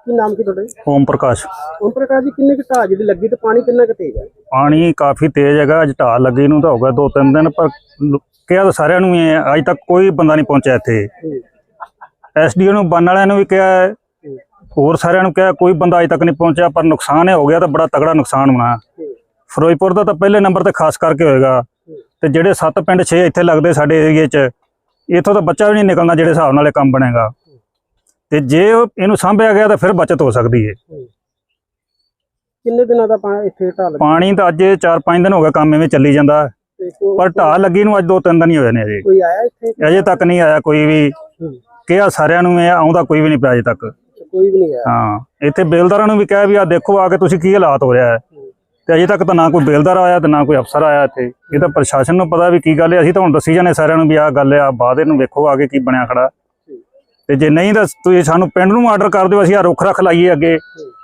ਕੀ ਨਾਮ ਕੀ ਤੁਹਾਡਾ? ओम प्रकाश। ਓਮ ਪ੍ਰਕਾਸ਼ ਜੀ, ਕਿੰਨੇ ਕੁ ਢਾਹ ਜਿਹੜੀ ਲੱਗੀ ਤੇ ਪਾਣੀ ਕਿੰਨਾ ਕੁ ਤੇਜ਼ ਹੈ? पानी काफी तेज हैगा। अज ढाह लगी नूं तो हो गया 2-3 दिन, पर कहा तो सारिਆਂ ਨੂੰ ही है, अज तक कोई बंदा नहीं पहुंचा इत्थे। एसडीओ ਨੂੰ बन वालिਆਂ ਨੂੰ भी कहा है, होर सारिਆਂ ਨੂੰ कहा, कोई बंदा अज तक नहीं पहुंचा। पर नुकसान हो गया तो बड़ा तगड़ा नुकसान होना। फिरोजपुर का तो पहले नंबर ते खास करके होएगा, ते ਜਿਹੜੇ 7 ਪਿੰਡ 6 ਇੱਥੇ ਲੱਗਦੇ ਸਾਡੇ ਏਰੀਏ 'ਚ, इत्थों तो बच्चा भी नहीं निकलना ਜਿਹੜੇ ਹਿਸਾਬ ਨਾਲ ਇਹ ਕੰਮ ਬਣੇਗਾ। ਤੇ ਜੇ ਇਹਨੂੰ ਸਾਂਭਿਆ ਗਿਆ ਤਾਂ ਫਿਰ ਬਚਤ ਹੋ ਸਕਦੀ ਹੈ। ਕਿੰਨੇ ਦਿਨਾਂ ਦਾ ਇੱਥੇ ਢਾਹ ਲੱਗੀ? ਪਾਣੀ ਤਾਂ ਅੱਜ 4-5 ਦਿਨ ਹੋ ਗਏ, ਕੰਮ ਐਵੇਂ ਚੱਲੀ ਜਾਂਦਾ, ਪਰ ਢਾਹ ਲੱਗੀ ਨੂੰ ਅੱਜ 2-3 ਦਿਨ ਹੀ ਹੋਏ ਨੇ। ਅਜੇ ਕੋਈ ਆਇਆ ਇੱਥੇ? ਅਜੇ ਤੱਕ ਨਹੀਂ ਆਇਆ ਕੋਈ ਵੀ। ਕਿਹਾ ਸਾਰਿਆਂ ਨੂੰ, ਇਹ ਆਉਂਦਾ ਕੋਈ ਵੀ ਨਹੀਂ ਪਿਆ ਅਜੇ ਤੱਕ। ਕੋਈ ਵੀ ਨਹੀਂ ਆਇਆ? ਹਾਂ, ਇੱਥੇ ਬੇਲਦਾਰਾਂ ਨੂੰ ਵੀ ਕਿਹਾ ਵੀ ਆ ਦੇਖੋ ਆ ਕੇ ਤੁਸੀਂ ਕੀ ਹਾਲਾਤ ਹੋ ਰਿਹਾ ਹੈ, ਤੇ ਅਜੇ ਤੱਕ ਤਾਂ ਨਾ ਕੋਈ ਬੇਲਦਾਰ ਆਇਆ ਤੇ ਨਾ ਕੋਈ ਅਫਸਰ ਆਇਆ ਇੱਥੇ। ਇਹ ਤਾਂ ਪ੍ਰਸ਼ਾਸਨ ਨੂੰ ਪਤਾ ਵੀ ਕੀ ਗੱਲ ਹੈ। ਅਸੀਂ ਤਾਂ ਹੁਣ ਦੱਸੀ ਜਾਂਦੇ ਸਾਰਿਆਂ ਨੂੰ ਵੀ ਆਹ ਗੱਲ ਆ, ਬਾਅਦ ਇਹਨੂੰ ਵੇਖੋ ਆ ਕੇ ਕੀ ਬਣਿਆ ਖੜਾ। ਤੇ ਜੇ ਨਹੀਂ ਤਾਂ ਤੁਸੀਂ ਸਾਨੂੰ ਪਿੰਡ ਨੂੰ ਆਰਡਰ ਕਰ ਦਿਓ, ਅਸੀਂ ਆ ਰੁੱਖ ਰੱਖ ਲਾਈਏ ਅੱਗੇ।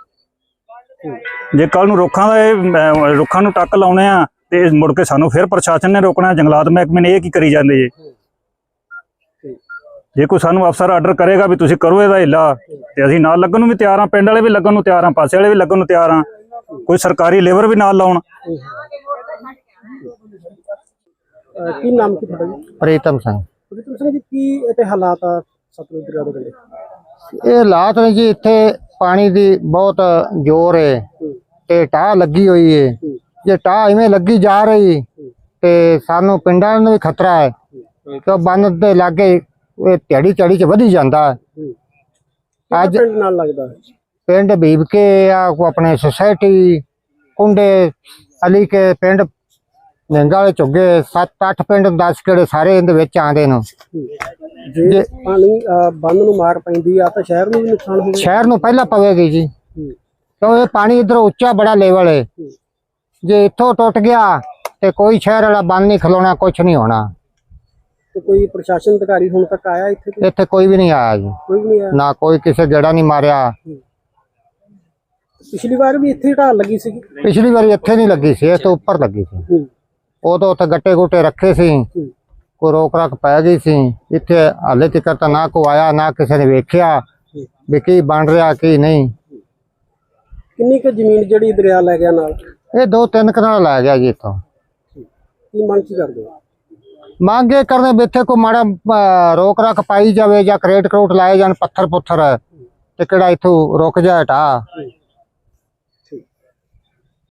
ਜੇ ਕੱਲ ਨੂੰ ਰੁੱਖਾਂ ਦਾ ਇਹ ਰੁੱਖਾਂ ਨੂੰ ਟੱਕ ਲਾਉਣੇ ਆ ਤੇ ਮੁੜ ਕੇ ਸਾਨੂੰ ਫਿਰ ਪ੍ਰਸ਼ਾਸਨ ਨੇ ਰੋਕਣਾ, ਜੰਗਲਾਤ ਮਹਿਕਮੇ ਨੇ। ਇਹ ਕੀ ਕਰੀ ਜਾਂਦੇ ਜੀ? ਜੇ ਕੋਈ ਸਾਨੂੰ ਅਫਸਰ ਆਰਡਰ ਕਰੇਗਾ ਵੀ ਤੁਸੀਂ ਕਰੋ ਇਹਦਾ ਹਿੱਲਾ, ਤੇ ਅਸੀਂ ਨਾਲ ਲੱਗਣ ਨੂੰ ਵੀ ਤਿਆਰ ਹਾਂ, ਪਿੰਡ ਵਾਲੇ ਵੀ ਲੱਗਣ ਨੂੰ ਤਿਆਰ ਹਾਂ, ਪਾਸੇ ਵਾਲੇ ਵੀ ਲੱਗਣ ਨੂੰ ਤਿਆਰ ਹਾਂ, ਕੋਈ ਸਰਕਾਰੀ ਲੇਬਰ ਵੀ ਨਾਲ ਲਾਉਣ। ਕੀ ਨਾਮ ਕੀ ਤੁਹਾਡਾ ਜੀ? ਪ੍ਰੀਤਮ ਸਿੰਘ। ਪ੍ਰੀਤਮ ਸਿੰਘ ਜੀ, ਕੀ ਇੱਥੇ ਹਾਲਾਤ ਆ ਸਤਲੁਜ ਦਰਿਆ ਦੇ ਕੰਢੇ? ਇਹ ਹਾਲਾਤ ਨੇ ਜੀ, ਇੱਥੇ ਪਾਣੀ ਦੀ ਬਹੁਤ ਜ਼ੋਰ ਹੈ ਤੇ ਢਾਹ ਲੱਗੀ ਹੋਈ ਹੈ। ਜੇ ਢਾਹ ਇਵੇਂ ਲੱਗੀ ਜਾ ਰਹੀ ਤੇ ਸਾਨੂੰ ਪਿੰਡਾਂ ਨੂੰ ਵੀ ਖਤਰਾ ਹੈ, ਕਿਉਂ ਬੰਨ ਦੇ ਲਾਗੇ ਇਹ ਝੜੀ ਚ ਵਧੀ ਜਾਂਦਾ। ਅੱਜ ਪਿੰਡ ਨਾਲ ਲੱਗਦਾ ਪਿੰਡ ਭੀਬ ਕੇ ਆ ਕੋ ਆਪਣੇ ਸੁਸਾਇਟੀ ਕੁੰਡੇ ਅਲੀ ਕੇ ਪਿੰਡ ਨਿੰਗਾ ਵਾਲੇ ਝੁੱਗੇ 7-8 ਪਿੰਡ 10 ਕਿਹੜੇ ਸਾਰੇ ਇਹਦੇ ਵਿੱਚ ਆਉਂਦੇ ਨੇ। ਜੇ ਪਾਣੀ ਬੰਨ ਨੂੰ ਮਾਰ ਪੈਂਦੀ ਆ ਤਾਂ ਸ਼ਹਿਰ ਨੂੰ ਵੀ ਨੁਕਸਾਨ ਹੋਊਗਾ? ਸ਼ਹਿਰ ਨੂੰ ਪਹਿਲਾਂ ਪਵੇਗੀ ਜੀ, ਕਿਉਂ ਇਹ ਪਾਣੀ ਇਧਰ ਉੱਚਾ ਬੜਾ ਲੈਵਲ ਹੈ। ਜੇ ਇੱਥੋਂ ਟੁੱਟ ਗਿਆ ਤੇ ਕੋਈ ਸ਼ਹਿਰ ਵਾਲਾ ਬੰਨ ਨਹੀਂ ਖਲੋਣਾ, ਕੁਛ ਨਹੀਂ ਹੋਣਾ। ਤੇ ਕੋਈ ਪ੍ਰਸ਼ਾਸਨ ਅਧਿਕਾਰੀ ਹੁਣ ਤੱਕ ਆਇਆ ਇੱਥੇ? ਇੱਥੇ ਕੋਈ ਵੀ ਨਹੀਂ ਆਇਆ ਜੀ, ਕੋਈ ਵੀ ਨਹੀਂ ਆਇਆ ਨਾ ਕੋਈ ਕਿਸੇ ਗੇੜਾ ਨਹੀਂ ਮਾਰਿਆ। ਪਿਛਲੀ ਵਾਰ ਵੀ ਇੱਥੇ ਢਾਲ ਲੱਗੀ ਸੀ? ਪਿਛਲੀ ਵਾਰੀ ਇੱਥੇ ਨਹੀਂ ਲੱਗੀ ਸੀ, ਇਸ ਤੋਂ ਉੱਪਰ ਲੱਗੀ ਸੀ। ਉਦੋਂ ਉੱਥੇ ਗੱਟੇ ਗੁੱਟੇ ਰੱਖੇ ਸੀ, ਕੋਈ ਰੋਕ ਰੱਖ ਪੈ ਗਈ ਸੀ। ਇੱਥੇ ਹਾਲੇ ਤੱਕ ਤਾਂ ਨਾ ਕੋਈ ਆਇਆ, ਨਾ ਕਿਸੇ ਨੇ ਵੇਖਿਆ ਵੀ ਕੀ ਬਣ ਰਿਹਾ ਕੀ ਨਹੀਂ। ਕਿੰਨੀ ਕੁ ਜ਼ਮੀਨ ਜਿਹੜੀ ਦਰਿਆ ਲੈ ਗਿਆ ਨਾਲ? ਇਹ 2-3 ਕਨਾਲ ਲੈ ਗਿਆ ਜੀ ਇੱਥੋਂ। ਕੀ ਮੰਗ ਕੀ ਕਰਦੇ ਹੋ? ਮੰਗ ਇਹ ਕਰਦੇ ਵੀ ਇੱਥੇ ਕੋਈ ਮਾੜਾ ਰੋਕ ਰੱਖ ਪਾਈ ਜਾਵੇ, ਜਾਂ ਕਰੇਟ ਕਰੂਟ ਲਾਏ ਜਾਣ, ਪੱਥਰ ਪੁੱਥਰ ਤੇ ਕਿਹੜਾ ਇੱਥੋਂ ਰੁਕ ਜਾਏ ਢਾਹ।